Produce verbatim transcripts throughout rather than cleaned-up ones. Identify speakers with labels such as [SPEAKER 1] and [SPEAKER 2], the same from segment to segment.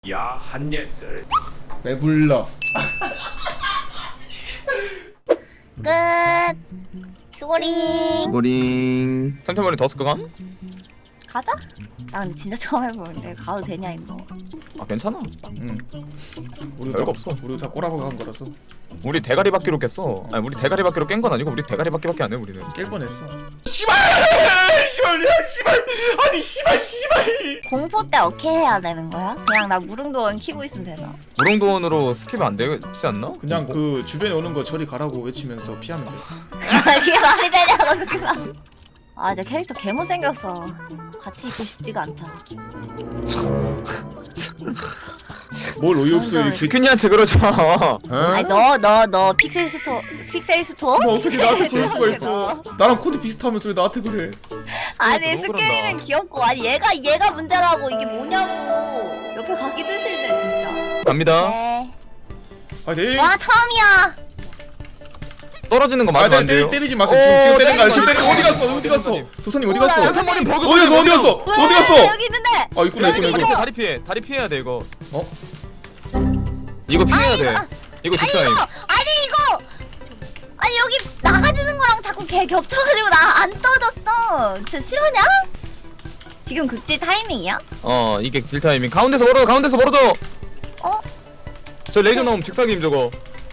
[SPEAKER 1] 야 한예슬
[SPEAKER 2] 왜 불러?
[SPEAKER 3] 끝. 수고링.
[SPEAKER 4] 수고링.
[SPEAKER 5] 템템머리 더 쓸까감?
[SPEAKER 3] 가자. 나 근데 진짜 처음 해보는데 가도 되냐 이거.
[SPEAKER 5] 아 괜찮아.
[SPEAKER 2] 응. 우리도
[SPEAKER 5] 별거
[SPEAKER 2] 다,
[SPEAKER 5] 없어.
[SPEAKER 2] 우리도 다 꼬라보고 한 거라서
[SPEAKER 5] 우리 대가리 바퀴로 깼어. 아니 우리 대가리 바퀴로 깬 건 아니고 우리 대가리 바퀴밖에 안 해 우리는.
[SPEAKER 2] 깰 뻔했어.
[SPEAKER 1] 씨발 씨발 야 씨발 아니 씨발 씨발
[SPEAKER 3] 공포 때 어떻게 해야 되는 거야? 그냥 나 무릉도원 키고 있으면 되나?
[SPEAKER 5] 무릉도원으로 스킵 안 되지 않나?
[SPEAKER 2] 그냥
[SPEAKER 5] 뭐,
[SPEAKER 2] 그 주변에 오는 거 저리 가라고 외치면서 피하면 돼.
[SPEAKER 3] 그게 말이 되냐고 그만. 아 이제 캐릭터 개못 생겼어. 같이 있고 싶지가 않다.
[SPEAKER 2] 뭘 어이없어 이렇게.
[SPEAKER 5] 지크니한테 그러지 마.
[SPEAKER 3] 아니 너 너 너 픽셀 스토 픽셀 스토어?
[SPEAKER 2] 너 어떻게 나한테 그럴 수가
[SPEAKER 3] 픽셀
[SPEAKER 2] 있어?
[SPEAKER 3] 스토어.
[SPEAKER 2] 나랑 코드 비슷하면서 왜 나한테 그래?
[SPEAKER 3] 아니
[SPEAKER 5] 너무
[SPEAKER 3] 스케일은
[SPEAKER 5] 그런다.
[SPEAKER 3] 귀엽고 아니 얘가 얘가 문제라고 이게 뭐냐고. 옆에 가기도 싫네 진짜.
[SPEAKER 5] 갑니다.
[SPEAKER 3] 네.
[SPEAKER 2] 파이팅!
[SPEAKER 3] 와 처음이야.
[SPEAKER 5] 떨어지는 거
[SPEAKER 2] 아,
[SPEAKER 5] 맞으면 안
[SPEAKER 2] 때,
[SPEAKER 5] 돼요.
[SPEAKER 2] 때, 때리지 마세요. 지금 지금
[SPEAKER 5] 오,
[SPEAKER 2] 때리는 거 아니야? 지금
[SPEAKER 5] 때리는
[SPEAKER 2] 때리는 거 어디
[SPEAKER 5] 거
[SPEAKER 2] 갔어? 어디 갔어?
[SPEAKER 5] 선생님.
[SPEAKER 2] 도선님 어디
[SPEAKER 3] 뭐야,
[SPEAKER 2] 갔어? 어디
[SPEAKER 5] 템템머리 버그.
[SPEAKER 2] 갔어? 어디 갔어? 어디 갔어?
[SPEAKER 3] 왜, 여기 있는데.
[SPEAKER 2] 아 있구나 있구나
[SPEAKER 5] 다리 피해,
[SPEAKER 2] 있구나.
[SPEAKER 5] 다리 피해, 다리 피해야 돼 이거.
[SPEAKER 2] 어?
[SPEAKER 5] 이거 피해야
[SPEAKER 3] 아,
[SPEAKER 5] 돼.
[SPEAKER 3] 이거-
[SPEAKER 5] 이거
[SPEAKER 3] 아니
[SPEAKER 5] 직사임.
[SPEAKER 3] 이거 아니 이거 아니 여기 나가지는 거랑 자꾸 걔 겹쳐가지고 나 안 떠졌어. 진짜 싫어하냐? 지금 극딜 타이밍이야?
[SPEAKER 5] 어 이게 딜 타이밍. 가운데서 멀어, 가운데서 멀어져.
[SPEAKER 3] 어?
[SPEAKER 5] 저 레이저 나오면 직사임 저거.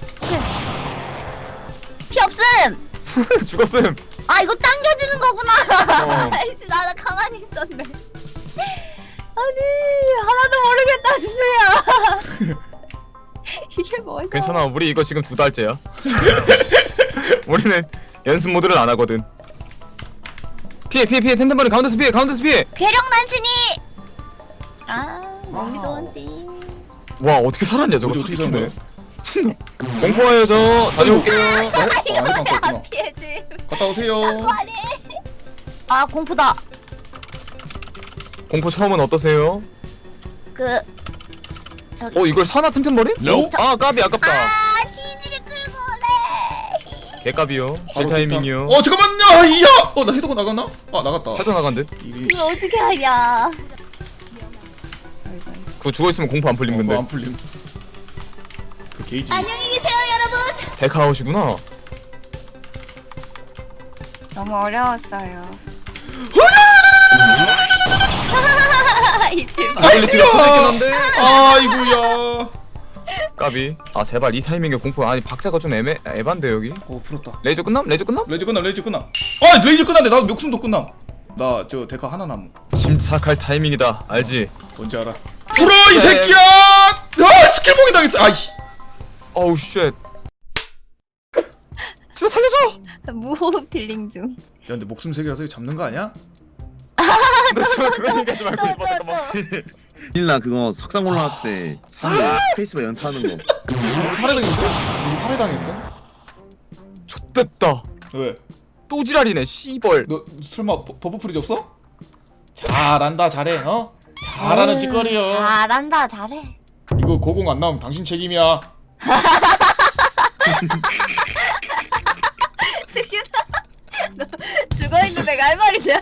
[SPEAKER 3] 피 없음.
[SPEAKER 5] 죽었음.
[SPEAKER 3] 아 이거 당겨지는 거구나.
[SPEAKER 5] 어.
[SPEAKER 3] 아이씨 나나 가만히 있었네. 아니 하나도 모르겠다 진우야. 이게 뭐야?
[SPEAKER 5] 괜찮아. 우리 이거 지금 두 달째야. 우리는 연습 모드를 안 하거든. 피해 피해 피해. 템템머리 가운데서 피해, 가운데서 피해.
[SPEAKER 3] 괴력 난신이. 아 몸이 좋은데.
[SPEAKER 5] 와 어떻게 살았냐 저거.
[SPEAKER 2] 어디 어떻게 사는 거야?
[SPEAKER 5] 공포와요 저. 다녀올게요.
[SPEAKER 2] 아, 해- 아 해방
[SPEAKER 3] 안
[SPEAKER 2] 갔구나.
[SPEAKER 3] 피해지.
[SPEAKER 2] 갔다 오세요.
[SPEAKER 3] 아니. 아 공포다.
[SPEAKER 5] 공포 처음은 어떠세요?
[SPEAKER 3] 그 저기.
[SPEAKER 5] 어 이걸 사나 템템머리?
[SPEAKER 2] No.
[SPEAKER 5] 아 까비 아깝다.
[SPEAKER 3] 아 뒤지게 끌고 오네.
[SPEAKER 5] 개까비요. 제
[SPEAKER 2] 바로
[SPEAKER 5] 타이밍이요.
[SPEAKER 2] 어 잠깐만요. 이야. 어나 헤더가 나갔나? 아 나갔다.
[SPEAKER 5] 해도 나간 듯.
[SPEAKER 2] 이게
[SPEAKER 3] 이거 어떻게 하냐?
[SPEAKER 5] 그거 죽어 있으면 공포 안 풀림
[SPEAKER 2] 어,
[SPEAKER 5] 근데.
[SPEAKER 2] 안 풀림. 그 게이지.
[SPEAKER 3] 안녕히 계세요 여러분.
[SPEAKER 5] 데카아웃이구나.
[SPEAKER 3] 너무 어려웠어요. 이틀 봐.
[SPEAKER 5] 이퀄리티가 커졌긴 한데.
[SPEAKER 2] 아이고야.
[SPEAKER 5] 까비. 아 제발 이 타이밍에 공포. 아니 박자가 좀 애매 에반데 여기.
[SPEAKER 2] 어 풀었다.
[SPEAKER 5] 레이저 끝남? 레이저 끝남?
[SPEAKER 2] 레이저 끝남 레이저 끝남. 아 레이저 끝났네. 나 목숨도 끝남. 나 저 데카 하나 남.
[SPEAKER 5] 침착할 타이밍이다. 알지?
[SPEAKER 2] 뭔지 알아? 풀어 이 새끼야! 아 스킬봉이 당했어. 아이씨.
[SPEAKER 5] 어우 쉣. 제발 살려줘.
[SPEAKER 3] 무호흡 딜링 중.
[SPEAKER 2] 야 근데 목숨 세 개라서 이거 잡는 거 아니야?
[SPEAKER 5] 너 제발 그런 얘기하지 말고 있어.
[SPEAKER 3] 또, 또,
[SPEAKER 5] 잠깐만.
[SPEAKER 4] 힐나 그거 석상 올라왔을 때 사람 스페이스바 연타하는 거.
[SPEAKER 2] 누구 살해당했어? 누구 살해당했어?
[SPEAKER 5] 좆됐다.
[SPEAKER 2] 왜?
[SPEAKER 5] 또 지랄이네 씨벌.
[SPEAKER 2] 너 설마 버- 버프 프리즈 없어? 잘한다 잘해 어? 잘하는
[SPEAKER 3] 음,
[SPEAKER 2] 짓거리여.
[SPEAKER 3] 잘한다 잘해.
[SPEAKER 2] 이거 고공 안 나오면 당신 책임이야.
[SPEAKER 3] 슬기다. 너 죽어 있는 내가 할 말이냐?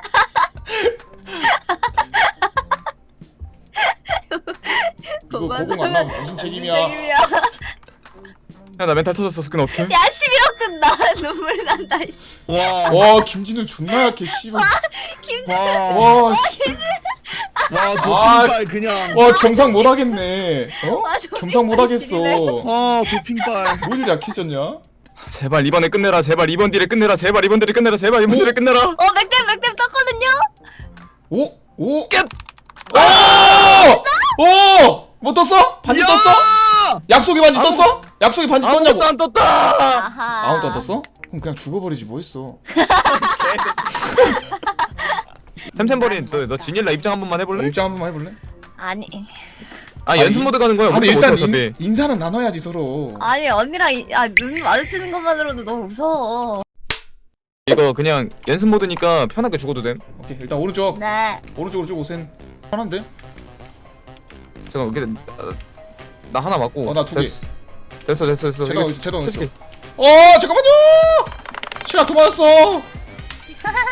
[SPEAKER 2] 이거 고공 안 나오면 당신 책임이야.
[SPEAKER 3] 책임이야.
[SPEAKER 5] 야 나 멘탈 터졌어. 스킨 어떡해?
[SPEAKER 3] 야 십일억 끈다. 눈물 난다. 씨.
[SPEAKER 4] 와.
[SPEAKER 2] 와 김진우 존나 약해 씨발.
[SPEAKER 4] 와.
[SPEAKER 2] 와 씨.
[SPEAKER 4] 와
[SPEAKER 2] 아.
[SPEAKER 4] 도핑발 그냥.
[SPEAKER 2] 와 경상 못 하겠네. 어?
[SPEAKER 3] 와, 너
[SPEAKER 2] 경상 못 하겠어.
[SPEAKER 4] 와 도핑발.
[SPEAKER 2] 뭘 약해졌냐?
[SPEAKER 5] 제발 이번에 끝내라. 제발 이번 딜에 끝내라. 제발 이번 딜에 끝내라. 제발 이번 딜에 끝내라.
[SPEAKER 3] 어 맥댐 맥댐 떴거든요.
[SPEAKER 2] 오 오.
[SPEAKER 5] 깼!
[SPEAKER 2] 오! 오! 뭐 떴어? 반지 떴어? 약속의 반지
[SPEAKER 5] 아무-
[SPEAKER 2] 떴어? 약속의 반지 떴냐고?
[SPEAKER 5] 아무것도 안 떴다.
[SPEAKER 3] 아하.
[SPEAKER 2] 아무것도 안 떴어? 그럼 그냥 죽어버리지 뭐 했어?
[SPEAKER 5] 템템버린 너, 너 지닐라 입장 한 번만 해볼래?
[SPEAKER 2] 입장 한 번만 해볼래?
[SPEAKER 3] 아니
[SPEAKER 5] 아 연습
[SPEAKER 2] 이-
[SPEAKER 5] 모드 가는 거야.
[SPEAKER 2] 아니
[SPEAKER 5] 우리도
[SPEAKER 2] 일단
[SPEAKER 5] 못해, 어차피.
[SPEAKER 2] 인, 인사는 나눠야지 서로.
[SPEAKER 3] 아니 언니랑 이- 아, 눈 마주치는 것만으로도 너무 무서워.
[SPEAKER 5] 이거 그냥 연습 모드니까 편하게 죽어도 됨.
[SPEAKER 2] 오케이 일단 오른쪽
[SPEAKER 3] 네.
[SPEAKER 2] 오른쪽으로 쭉 오센. 편한데?
[SPEAKER 5] 잠깐 여기 나, 나 하나 맞고.
[SPEAKER 2] 어, 나두 개.
[SPEAKER 5] 됐어. 됐어 됐어 됐어.
[SPEAKER 2] 제동
[SPEAKER 5] 이거
[SPEAKER 2] 있어 제동 있어.
[SPEAKER 5] 솔직히
[SPEAKER 2] 어 잠깐만요. 시라 또 맞았어.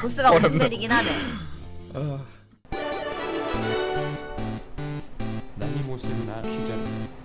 [SPEAKER 3] 보스가 무슨 벨이긴 하네.
[SPEAKER 2] 아.
[SPEAKER 1] 난이 모습이나 키자